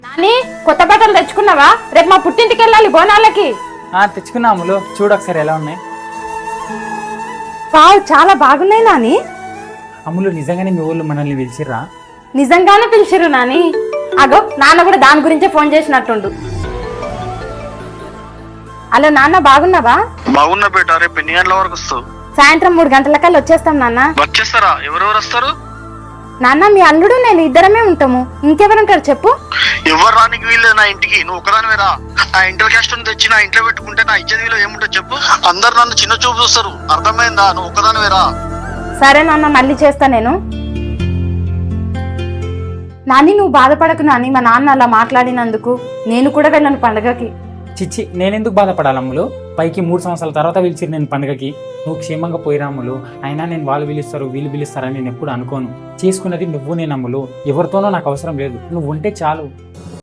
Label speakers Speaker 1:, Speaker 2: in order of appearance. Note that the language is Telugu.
Speaker 1: నాని కొత్త బట్టలు తెచ్చుకున్నావా? రేపు మా పుట్టింటికి వెళ్ళాలి బోనాలకి.
Speaker 2: తెచ్చుకున్నా అమ్ములు, చూడు ఒకసారి ఎలా ఉన్నాయి.
Speaker 1: వావ్, చాలా బాగున్నాయి నాని.
Speaker 2: అమ్ములు, నిజంగానే మీ ఊళ్ళో మనల్ని పిలిచిర్రా?
Speaker 1: నిజంగానే పిలిచిరు నాని. అగో నాన్న కూడా దాని గురించే ఫోన్ చేసినట్టుండు. హలో నాన్న, బాగున్నావా?
Speaker 3: బాగున్నా బేట. రేపు ఎన్ని గంటల వరకు వస్తావు?
Speaker 1: సాయంత్రం 3 గంటలకల్లా వచ్చేస్తాం నాన్న.
Speaker 3: వచ్చేస్తారా? ఎవరెవరు వస్తారు?
Speaker 1: నాన్న, మీ అల్లుడు నేను ఇద్దరమే ఉంటాము. ఇంకెవరుంటారు చెప్పు?
Speaker 3: ఎవరు రానికి వీల్లేదు నా ఇంటికి. నువ్వు ఒకదానివే రా. నా ఇంటర్ క్యాస్ట్ తెచ్చి నా ఇంట్లో పెట్టుకుంటే నా ఇచ్చేది వీళ్ళు ఏముంటుంది చెప్పు? అందరు నన్ను చిన్న చూపు చూస్తారు. అర్థమైందా? నువ్వు ఒకదానివే రా.
Speaker 1: సరే నాన్న, మళ్ళీ చేస్తా నేను. నాని, నువ్వు బాధపడకు నాని, మా నాన్న అలా మాట్లాడినందుకు. నేను కూడా వెళ్ళను పండగకి.
Speaker 2: చిచ్చి, నేనెందుకు బాధపడాలి అమ్ములు? పైకి 3 సంవత్సరాల తర్వాత పిలిచిరు నేను పండుగకి. నువ్వు క్షేమంగా పోయిరా అమ్ములు. అయినా నేను వాళ్ళు పిలుస్తారు వీళ్ళు పిలుస్తారని నేను ఎప్పుడు అనుకోను. చేసుకున్నది నువ్వు నేను అమ్ములు. ఎవరితోనో నాకు అవసరం లేదు. నువ్వు ఉంటే చాలు.